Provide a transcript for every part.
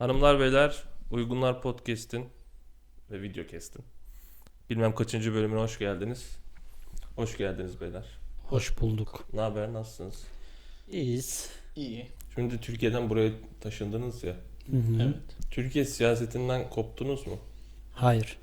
Hanımlar beyler, Uygunlar Podcast'in ve Videocast'in bilmem kaçıncı bölümüne hoş geldiniz. Hoş geldiniz beyler. Hoş bulduk. Ne haber, nasılsınız? İyiyiz. İyi. Şimdi Türkiye'den buraya taşındınız ya. Hı hı. Evet. Türkiye siyasetinden koptunuz mu? Hayır.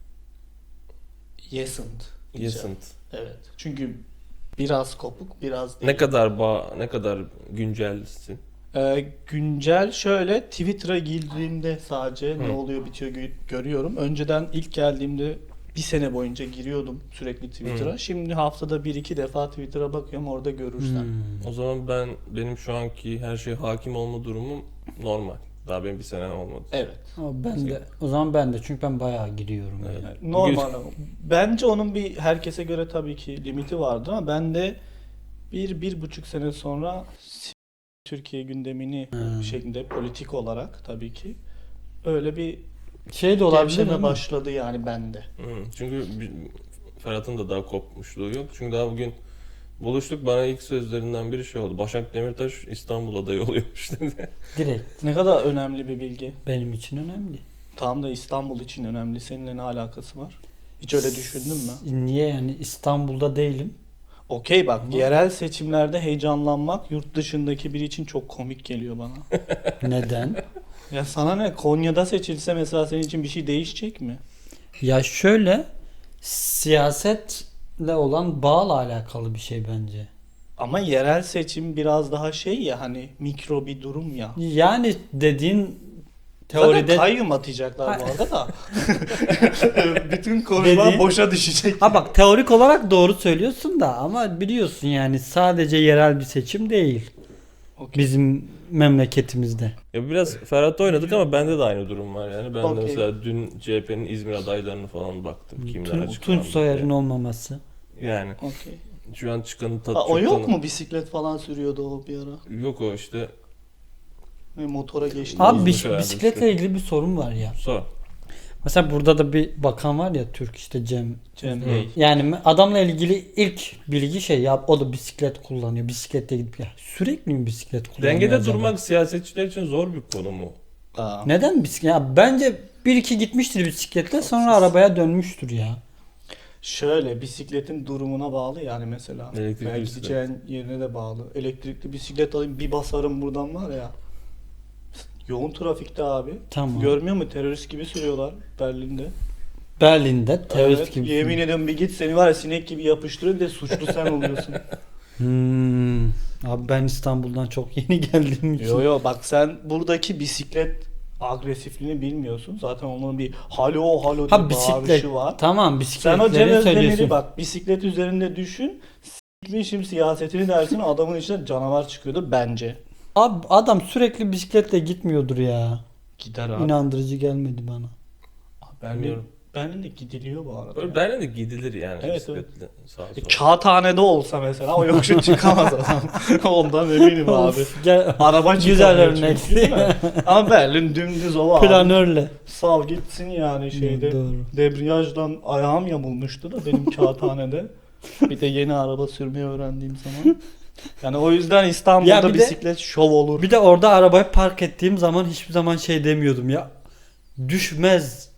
Yesint. Yesint. Evet. Çünkü biraz kopuk, biraz değil. Ne kadar güncelsin? Güncel şöyle Twitter'a girdiğimde sadece ne oluyor bitiyor görüyorum. Önceden ilk geldiğimde bir sene boyunca giriyordum sürekli Twitter'a. Şimdi haftada 1-2 defa Twitter'a bakıyorum, orada görürsen. O zaman benim şu anki her şeye hakim olma durumum normal. Daha benim bir senem olmadı. Evet. Ama o zaman ben de çünkü ben bayağı giriyorum. Evet. Yani. Normal ama. Bence onun bir herkese göre tabii ki limiti vardır ama ben de 1-1,5 sene sonra Türkiye gündemini şeklinde politik olarak tabii ki öyle bir Şey de olabilir gevşeme mi? başladı yani bende. Çünkü Ferhat'ın da daha kopmuşluğu yok. Çünkü daha bugün buluştuk, bana ilk sözlerinden biri şey oldu. Başak Demirtaş İstanbul adayı oluyormuş dedi. Direkt. Ne kadar önemli bir bilgi. Benim için önemli. Tam da İstanbul için önemli. Seninle ne alakası var? Hiç öyle düşündün mü? Niye yani İstanbul'da değilim? Okey bak, yerel seçimlerde heyecanlanmak yurt dışındaki biri için çok komik geliyor bana. Neden? Ya sana ne? Konya'da seçilse mesela senin için bir şey değişecek mi? Ya şöyle siyasetle olan bağla alakalı bir şey bence. Ama yerel seçim biraz daha şey ya, hani mikro bir durum ya. Yani dediğin Zaten teoride kayyum atacaklar bu arada da. Bütün konuşmalar Dediğin- boşa düşecek. Ha bak teorik olarak doğru söylüyorsun da ama biliyorsun yani sadece yerel bir seçim değil Okey. bizim memleketimizde. Ya biraz Ferhat'ta oynadık ama bende de aynı durum var yani. Ben de Okey. mesela dün CHP'nin İzmir adaylarını falan baktım. Kimler Tunç açıklandı Soyer'in diye. olmaması. Yani Okey. şu an çıkanın tadı Ha, o çok yok tanı- mu? Bisiklet falan sürüyordu o bir ara. Yok o işte. Ve motora geçti. Abi Bozmuş herhalde bisikletle işte. ilgili bir sorun var ya. Sor. Mesela burada da bir bakan var ya Türk işte Cem. Cem Hı. Bey. Yani adamla ilgili ilk bilgi şey ya o da bisiklet kullanıyor. Bisikletle gidip ya sürekli mi bisiklet kullanıyor Dengede acaba? durmak siyasetçiler için zor bir konu mu? Aa. Neden bisiklet? Ya bence bir iki gitmiştir bisikletle sonra arabaya dönmüştür ya. Şöyle, bisikletin durumuna bağlı yani mesela. Elektrikli Veya bisiklet. gideceğin yerine de bağlı. Elektrikli bisiklet alayım bir basarım buradan var ya. Yoğun trafikte abi. Tamam. Görmüyor musun? Terörist gibi sürüyorlar Berlin'de. Berlin'de terörist Evet, gibi. yemin ediyorum bir git seni var ya sinek gibi yapıştırıyor, bir de suçlu sen oluyorsun. Abi ben İstanbul'dan çok yeni geldiğim için. Yo yo, bak sen buradaki bisiklet agresifliğini bilmiyorsun. Zaten onun bir halo halo diye Ha bisiklet. bağırışı var. Tamam Sen bisikletleri o Cem Özdemir'i söylüyorsun. bak bisiklet üzerinde düşün. S**mişim siyasetini dersin, adamın içinde canavar çıkıyordu bence. Abi adam sürekli bisikletle gitmiyordur ya. Gider abi. İnandırıcı gelmedi bana. Berlin, Berlin'de gidiliyor bu arada. Böyle Berlin'de gidilir yani Evet, bisikletle sağa sola. Kağıthane'de olsa mesela o yokuşu çıkamaz adam. Ondan eminim abi. Of, gel, Araba güzel çıkamıyor örnek. çünkü, değil mi? Ama Berlin dümdüz ova abi. Planörle. Sal gitsin yani şeyde. Doğru. Debriyajdan ayağım yamulmuştu da benim kağıthanede. Bir de yeni araba sürmeyi öğrendiğim zaman. Yani o yüzden İstanbul'da Ya bir de- bisiklet şov olur. Bir de orada arabayı park ettiğim zaman hiçbir zaman şey demiyordum ya. Düşmez.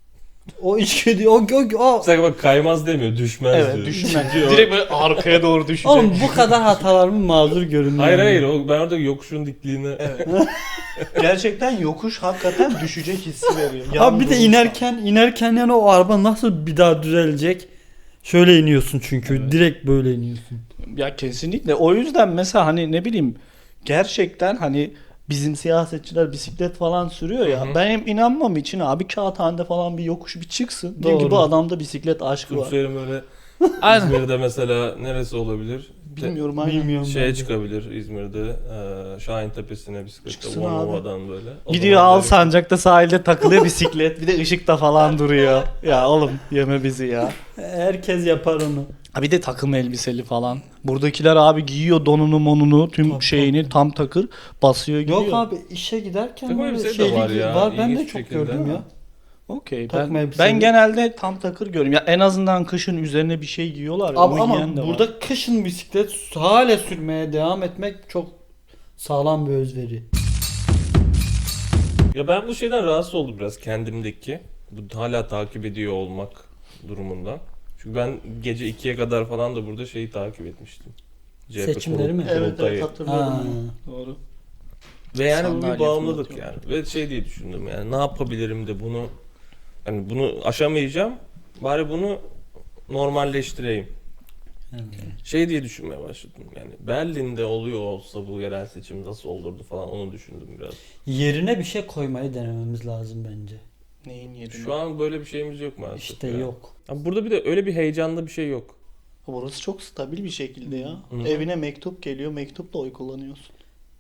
O içgüdü o. Mesela bak kaymaz demiyor, düşmez Evet, diyor. düşmez. Çünkü o- Direkt böyle arkaya doğru düşecek. Oğlum bu kadar hatalarımı mazur görün. Hayır yani. hayır ben orada yokuşun dikliğine Evet. Gerçekten yokuş hakikaten düşecek hissi veriyor. Abi bir de Yan inerken yani o araba nasıl bir daha düzelecek? Şöyle iniyorsun çünkü Evet. direkt böyle iniyorsun. Ya kesinlikle. O yüzden mesela hani ne bileyim, gerçekten hani bizim siyasetçiler bisiklet falan sürüyor ya. Hı hı. Benim inanmam için abi kağıthanede falan bir yokuş bir çıksın. Diyeyim ki Doğru. bu adamda bisiklet aşkı var. Tunçer'in böyle Aynen. İzmir'de mesela neresi olabilir? Bilmiyorum aynen. Bilmiyorum. Şeye ben de. çıkabilir İzmir'de, Şahin Tepesi'ne bisikletle Çıksın abi. Volnova'dan böyle. O Gidiyor zaman al böyle- sancakta sahilde takılıyor bisiklet. Bir de ışıkta falan duruyor. Ya oğlum yeme bizi ya. Herkes yapar onu. Ha bir de takım elbiseli falan. Buradakiler abi giyiyor donunu monunu tüm Tabii, şeyini tam takır basıyor gidiyor. Yok abi işe giderken Takım böyle elbise de şeyli var ya, var. Ben de ilginç çok şekilde gördüm ama. ya. Okey. Takma Ben, elbiseli. ben genelde tam takır görüyorum. Ya en azından kışın üzerine bir şey giyiyorlar. Ya, Abi onu ama giyen de var. burada kışın bisiklet hala sürmeye devam etmek çok sağlam bir özveri. Ya ben bu şeyden rahatsız oldum biraz kendimdeki. Bu hala takip ediyor olmak durumundan. Çünkü ben gece 2'ye kadar falan da burada şeyi takip etmiştim. CHP Seçimleri mi? Evet kurultayı. hatırlıyorum. Ha. onu. Doğru. Ve yani bu bir Sandalye bağımlılık fırlatıyor. yani. Ve şey diye düşündüm yani ne yapabilirim de bunu, hani bunu aşamayacağım. Bari bunu normalleştireyim. Evet. Şey diye düşünmeye başladım yani. Berlin'de oluyor olsa bu yerel seçim nasıl olurdu falan, onu düşündüm biraz. Yerine bir şey koymayı denememiz lazım bence. Neyin yerine? Şu an böyle bir şeyimiz yok maalesef. İşte ya. yok. Abi burada bir de öyle bir heyecanda bir şey yok. Burası çok stabil bir şekilde ya. Hı. Evine mektup geliyor, mektupla oy kullanıyorsun.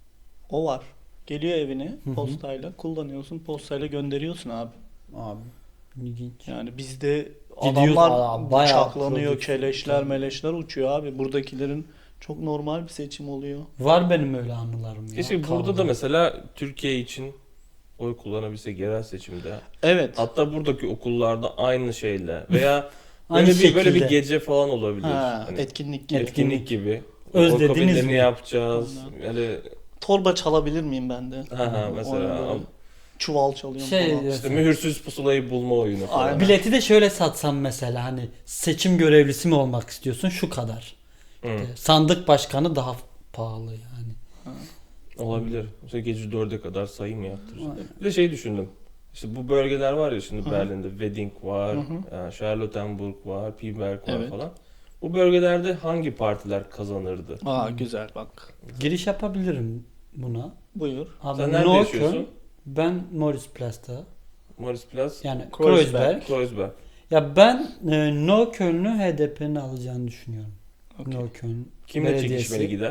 O var. Geliyor evine Hı hı. postayla kullanıyorsun, postayla gönderiyorsun abi. Abi ilginç. Yani bizde Gidiyoruz, adamlar bayağı bıçaklanıyor, prodüksiyon. keleşler, meleşler uçuyor abi. Buradakilerin çok normal bir seçim oluyor. Var benim öyle anılarım ya. Keşke burada Kavga. da mesela Türkiye için oy kullanabilsek yerel seçimde. Evet. Hatta buradaki okullarda aynı şeyle veya Aynı böyle bir şekilde. gece falan olabilir. Ha, Hani etkinlik gibi. etkinlik gibi. Özlediniz Oy kabinlerini mi? yapacağız. Aynen. Yani Torba çalabilir miyim ben de? ha mesela Oyun böyle çuval çalıyorum Şey falan. işte mühürsüz pusulayı bulma oyunu falan. Aynen. Bileti de şöyle satsam mesela, hani seçim görevlisi mi olmak istiyorsun, şu kadar. Hı. Sandık başkanı daha pahalı yani. Olabilir. Mesela gece 4'e kadar sayım yaptıracağız. Bir de şey düşündüm. İşte bu bölgeler var ya şimdi, Hı. Berlin'de Wedding var, Hı hı. yani Charlottenburg var, Piberg var Evet. falan. Bu bölgelerde hangi partiler kazanırdı? Aa güzel bak. Giriş yapabilirim buna. Buyur. Abi Sen nerede Neukölln, yaşıyorsun? ben Moritzplatz'ta. Moritzplatz, Yani Kreuzberg. Kreuzberg. Kreuzberg. Ya ben Neukölln'ü HDP'nin alacağını düşünüyorum. Okey. Neukölln Kimle Belediyesi. çekişmeli gider?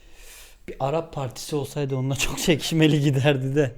Bir Arap partisi olsaydı onunla çok çekişmeli giderdi de.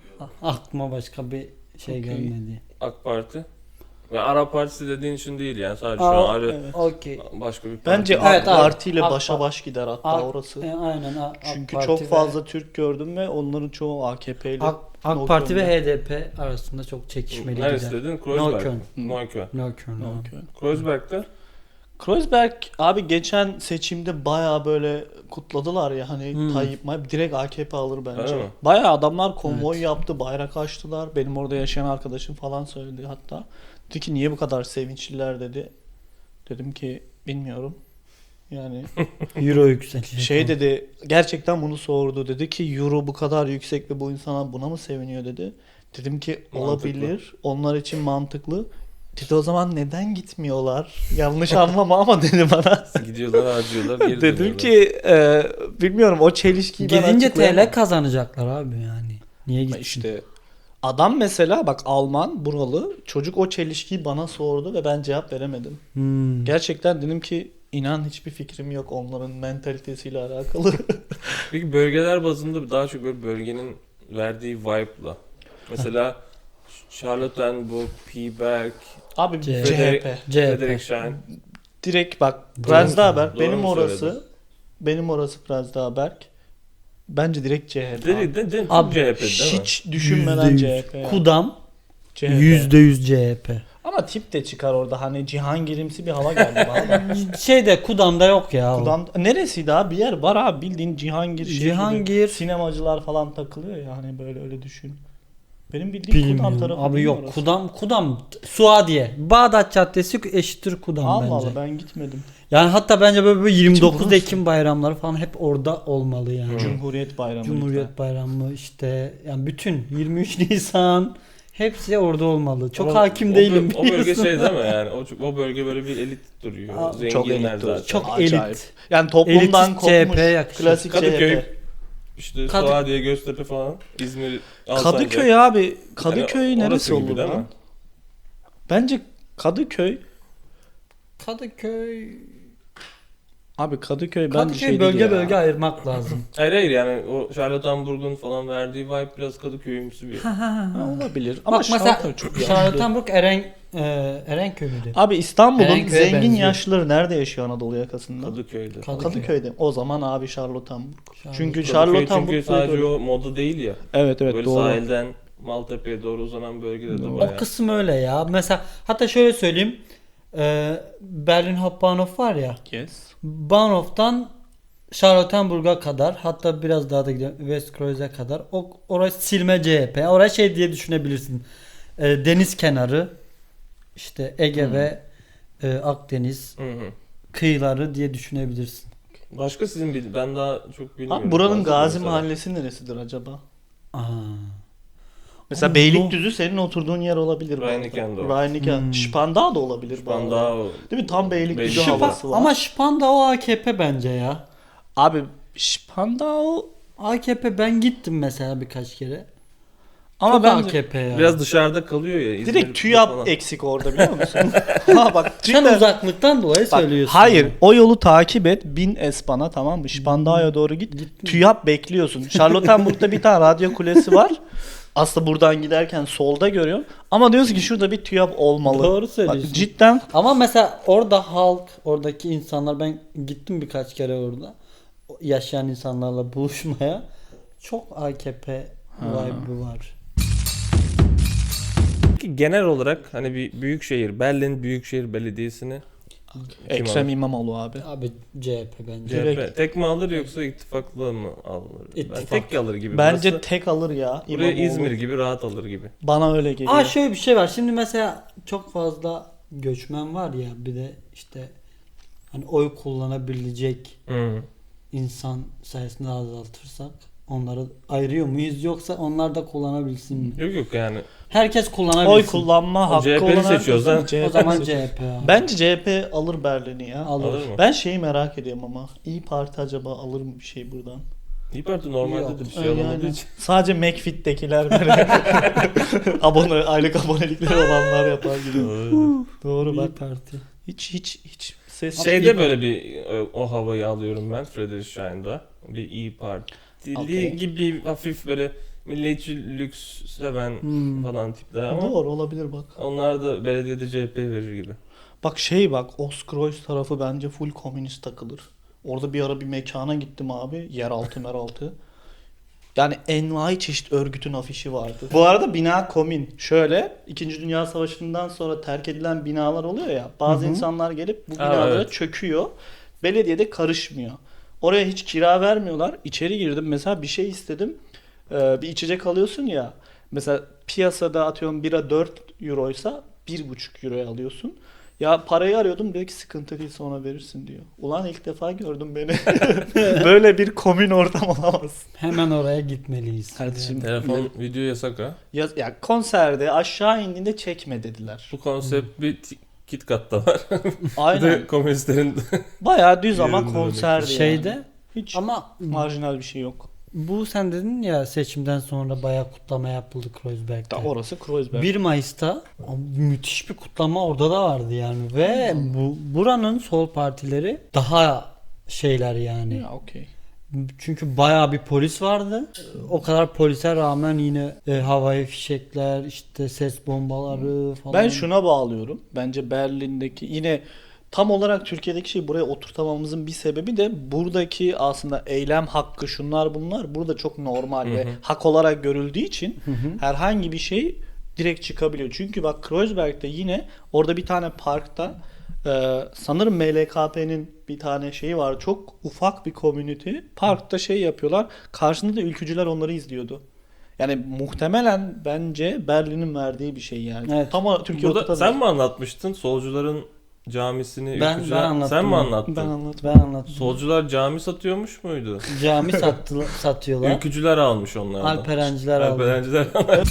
Aklıma başka bir şey Okey. gelmedi. AK Parti. Ve Arap Partisi dediğin için değil yani, sadece şu Aa, an ayrı Evet. Okey. başka bir parti. Bence Evet, AK abi. Parti ile AK başa Parti. baş gider hatta AK- orası. Aynen. Çünkü Parti çok ve- fazla Türk gördüm ve onların çoğu AKP'li. AK Parti ve HDP arasında çok çekişmeli Neresi gider. dedin? Kreuzberg. Neukölln. Neukölln. Neukölln. ha. Neukölln. Kreuzberg'de Kreuzberg abi geçen seçimde baya böyle kutladılar ya hani Hmm. Tayyip direkt AKP alır bence. Öyle mi? Baya adamlar konvoy Evet. yaptı, bayrak açtılar. Benim orada yaşayan arkadaşım falan söyledi hatta. Dedi ki niye bu kadar sevinçliler dedi. Dedim ki bilmiyorum. Yani Euro yükselecek. şey dedi, gerçekten bunu sordu. Dedi ki euro bu kadar yüksek ve bu insanlar buna mı seviniyor dedi. Dedim ki Mantıklı. olabilir. Onlar için mantıklı. Dedi o zaman neden gitmiyorlar? Yanlış anlama ama dedi bana. gidiyorlar, harcıyorlar, geri Dedim dönüyorlar. ki bilmiyorum, o çelişkiyi ben Gidince açıklayamam. TL kazanacaklar abi yani. Niye gitsin? İşte adam mesela bak Alman buralı çocuk o çelişkiyi bana sordu ve ben cevap veremedim. Hmm. Gerçekten dedim ki inan hiçbir fikrim yok onların mentalitesiyle alakalı. Peki bölgeler bazında daha çok böyle bölgenin verdiği vibe'la. Mesela Charlottenburg, Piberg, Abi CHP. CHP. Friedrichshain. Direkt bak Doğru Prenzlauer Doğru benim mu orası. söyledim? Benim orası Prenzlauer. Bence direkt CHP. De Abi, CHP değil mi? Hiç düşünmeden %100. CHP. ya. Kudam CHP. %100 CHP. Ama tip de çıkar orada hani Cihangir'imsi bir hava geldi bana da. Şeyde Kudam'da yok ya. o. Kudam neresiydi abi? Bir yer var abi bildiğin Cihangir şehri. Cihangir. Sinemacılar falan takılıyor ya hani böyle öyle düşün. Benim bildiğim Kudam Bilmiyorum. tarafı Abi değil yok. orası. Kudam Suadiye. Bağdat Caddesi eşittir Kudam Allah bence. Allah ben gitmedim. Yani hatta bence böyle 29 burası. Ekim bayramları falan hep orada olmalı yani. Cumhuriyet Bayramı. Cumhuriyet Bayramı işte yani bütün 23 Nisan hepsi orada olmalı. Çok Ama hakim değilim. O bölge biliyorsun. şey değil mi yani? O bölge böyle bir elit duruyor. Aa, Zenginler çok elit zaten. duruyor. Çok Acayip. elit. Yani toplumdan Elitist kopmuş. CHP yakışır. Klasik Kadıköy, CHP. işte Kadı- Suadiye, Göztepe falan, İzmir, Alsancak. Kadıköy abi. Kadıköy Yani neresi orası gibi olur değil lan? mi? Bence Kadıköy. Kadıköy Abi Kadıköy bence Kadıköy şey bölge değil ya. bölge ayırmak lazım. Hayır yani o Charlottenburg'un falan verdiği vibe biraz Kadıköy'ümsü bir. Ha, olabilir. Ama Bak mesela Şarköy çok yaşlı. Charlottenburg Erenköy müydü? Abi İstanbul'un Erenköy'e zengin benziyor. yaşlıları nerede yaşıyor Anadolu yakasında? Kadıköy'de. Kadıköy'de. O zaman abi Charlottenburg. Çünkü Kadıköy Charlottenburg çünkü sadece böyle- o moda değil ya. Evet evet Böyle doğru. sahilden Maltepe'ye doğru uzanan bölgede de Doğru. O bayağı. kısım öyle ya. Mesela hatta şöyle söyleyeyim. Berlin Hauptbahnhof var ya. Yes. Bahnhof'tan Charlottenburg'a kadar, hatta biraz daha da gidelim Westkreuz'e kadar. Orası silme CHP. Orası şey diye düşünebilirsin. Deniz kenarı, işte Ege ve Akdeniz Hı hı. kıyıları diye düşünebilirsin. Başka sizin ben daha çok bilmiyorum. Abi buranın Fazla Gazi mesela. Mahallesi neresidir acaba? Aa. Mesela Ama Beylikdüzü senin oturduğun yer olabilir. Reinickendorf. Rheiniken. Spandau da olabilir. bu arada. Spandau. Değil mi? Tam Beylikdüzü Beylikdüzü. havası var. Ama Spandau AKP bence ya. Abi Spandau AKP, ben gittim mesela birkaç kere. ama Çok bence AKP ya. Biraz dışarıda kalıyor ya. İzmir'de direkt TÜYAP falan. eksik orada biliyor musun? Ha bak Sen cidden. uzaklıktan dolayı Bak, söylüyorsun. hayır, o yolu takip et, bin Espan'a, tamam mı? Spandau'ya doğru git. TÜYAP bekliyorsun. Charlottenburg'da bir tane radyo kulesi var. Aslında buradan giderken solda görüyorum. Ama diyorsun ki şurada bir TÜYAP olmalı. Doğru Bak, söylüyorsun. cidden Ama mesela orada halk, oradaki insanlar, ben gittim birkaç kere orada. Yaşayan insanlarla buluşmaya. Çok AKP vibe'ı var. Peki genel olarak hani bir büyükşehir, Berlin Büyükşehir Belediyesi'ni Ekrem alır? İmamoğlu abi. Abi CHP bence. Direkt. CHP tek mi alır yoksa ittifakla mı alır? Ben İttifak. tek alır gibi. Bence Burası, tek alır ya buraya İmamoğlu. İzmir gibi rahat alır gibi. Bana öyle geliyor. Aa, şöyle bir şey var. Şimdi mesela çok fazla göçmen var ya, bir de işte hani oy kullanabilecek Hı. insan sayısını azaltırsak onları ayırıyor muyuz, yoksa onlar da kullanabilsin mi? Yok yok yani. Herkes kullanabilsin. Oy kullanma hakkı CHP'li olan seçiyoruz ha. herkesin O zaman seçiyor. CHP abi. Bence CHP alır Berlin'i ya. Alır. Alır mı? Ben şeyi merak ediyorum ama İyi Parti acaba alır mı bir şey buradan? İyi Parti normalde Yok. de bir şey Yani alamadığı için. sadece McFit'tekiler böyle aylık abonelikleri olanlar yapar gibi. Doğru İyi bak. Parti. Hiç ses Şeyde böyle bir o havayı alıyorum ben Friedrichshain'da. Bir İyi Partili Okey. gibi hafif böyle milliyetçi lüks seven falan tipler ama Doğru olabilir bak. onlar da belediyede CHP verir gibi. Bak Ostkreuz tarafı bence full komünist takılır. Orada bir ara bir mekana gittim abi. Yeraltı. Yani envai çeşit örgütün afişi vardı. Bu arada bina komün. Şöyle 2. Dünya Savaşı'ndan sonra terk edilen binalar oluyor ya. Bazı insanlar gelip bu binalara evet. çöküyor. Belediye de karışmıyor. Oraya hiç kira vermiyorlar. İçeri girdim mesela, bir şey istedim. Bir içecek alıyorsun ya. Mesela piyasada atıyorum bira 4 euroysa 1,5 euroya alıyorsun. Ya parayı arıyordum, dedi ki sıkıntı değil sonra verirsin diyor. Ulan ilk defa gördüm beni. Böyle bir komün ortam olamaz. Hemen oraya gitmeliyiz. Kardeşim Telefon video yasak ha. ya konserde aşağı indiğinde çekme dediler. Bu konsept bir KitKat'ta var. Bir Aynen. de komünistlerin Bayağı düz ama Yerinde konserdi Şeyde yani. Hiç ama marjinal bir şey yok. bu, sen dedin ya seçimden sonra bayağı kutlama yapıldı Kreuzberg'de. Orası Kreuzberg. 1 Mayıs'ta müthiş bir kutlama orada da vardı yani ve buranın sol partileri daha şeyler yani. Ya okey. Çünkü bayağı bir polis vardı. O kadar polise rağmen yine havai fişekler, işte ses bombaları falan. Ben şuna bağlıyorum. Bence Berlin'deki yine tam olarak Türkiye'deki şeyi buraya oturtamamızın bir sebebi de buradaki aslında eylem hakkı, şunlar bunlar burada çok normal ve hak olarak görüldüğü için herhangi bir şey direkt çıkabiliyor. Çünkü bak Kreuzberg'de yine orada bir tane parkta sanırım MLKP'nin bir tane şeyi var. Çok ufak bir community. Parkta şey yapıyorlar. Karşında da ülkücüler onları izliyordu. Yani muhtemelen bence Berlin'in verdiği bir şey yani. Evet. Tam o Türkiye Burada oturtamıyor. sen mi anlatmıştın solcuların camisini? Ben ülkücüler- anlattım Sen mi onu. anlattın? Ben anlatayım. Ben anlattım. Solcular cami satıyormuş muydu? Cami satıyorlar. Ülkücüler almış onlardan. Alperenciler aldı. Alperenciler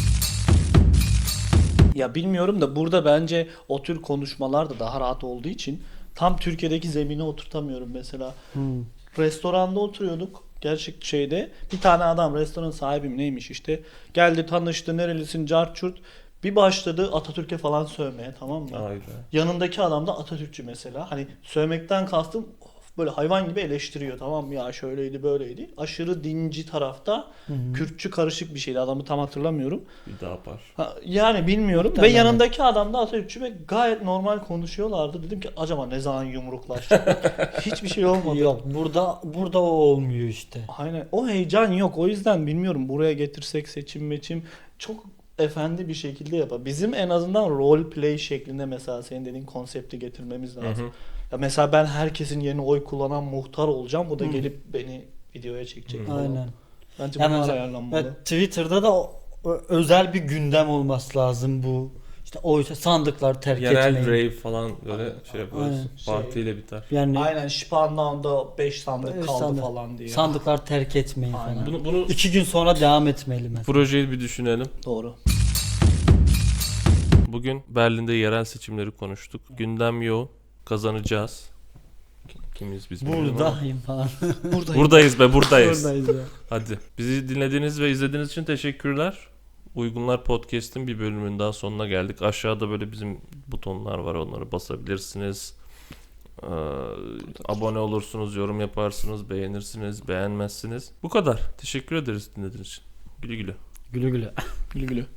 Ya bilmiyorum da burada bence o tür konuşmalar da daha rahat olduğu için tam Türkiye'deki zemine oturtamıyorum mesela. Restoranda oturuyorduk. Gerçek şeyde bir tane adam, restoran sahibim neymiş işte, geldi tanıştı, nerelisin cart çurt, bir başladı Atatürk'e falan sövmeye, tamam mı? Hayda. Yanındaki adam da Atatürkçü mesela. Hani sövmekten kastım böyle hayvan gibi eleştiriyor, tamam mı? Ya şöyleydi böyleydi. Aşırı dinci tarafta Kürtçü karışık bir şeydi, adamı tam hatırlamıyorum. Bir daha yapar. Yani bilmiyorum. Muhtemelen. Ve yanındaki adam da Atatürkçü ve gayet normal konuşuyorlardı. Dedim ki acaba ne zaman yumruklaşacak? Hiçbir şey olmadı. Yok, burada o olmuyor işte. Aynen. O heyecan yok. O yüzden bilmiyorum. Buraya getirsek seçim çok efendi bir şekilde yapar. Bizim en azından role play şeklinde mesela senin dediğin konsepti getirmemiz lazım. Hı hı. Ya mesela ben herkesin yerine oy kullanan muhtar olacağım. Bu da gelip beni videoya çekecek falan. Aynen. Bence Yani bunlar mesela- ayarlanmalı. Ve Twitter'da da özel bir gündem olması lazım bu. İşte o sandıklar terk Genel etmeyin. rave falan böyle şey yaparız. Aynen. Partiyle biter. Yani Aynen Spandau'da 5 sandık Beş kaldı sandık. falan diye. sandıklar terk etmeyin Aynen. falan. Bunu 2 gün sonra devam etmeli mesela. projeyi bir düşünelim. Doğru. Bugün Berlin'de yerel seçimleri konuştuk. Gündem yoğun. Kazanacağız. Kimiz biz bilmiyorum ama. Buradayım falan. Buradayız be buradayız. Buradayız ya. Hadi. Bizi dinlediğiniz ve izlediğiniz için teşekkürler. Uygunlar Podcast'in bir bölümünün daha sonuna geldik. Aşağıda böyle bizim butonlar var. Onları basabilirsiniz. Abone olursunuz, yorum yaparsınız, beğenirsiniz, beğenmezsiniz. Bu kadar. Teşekkür ederiz dinlediğiniz için. Güle güle. Güle güle. Gülü gülü.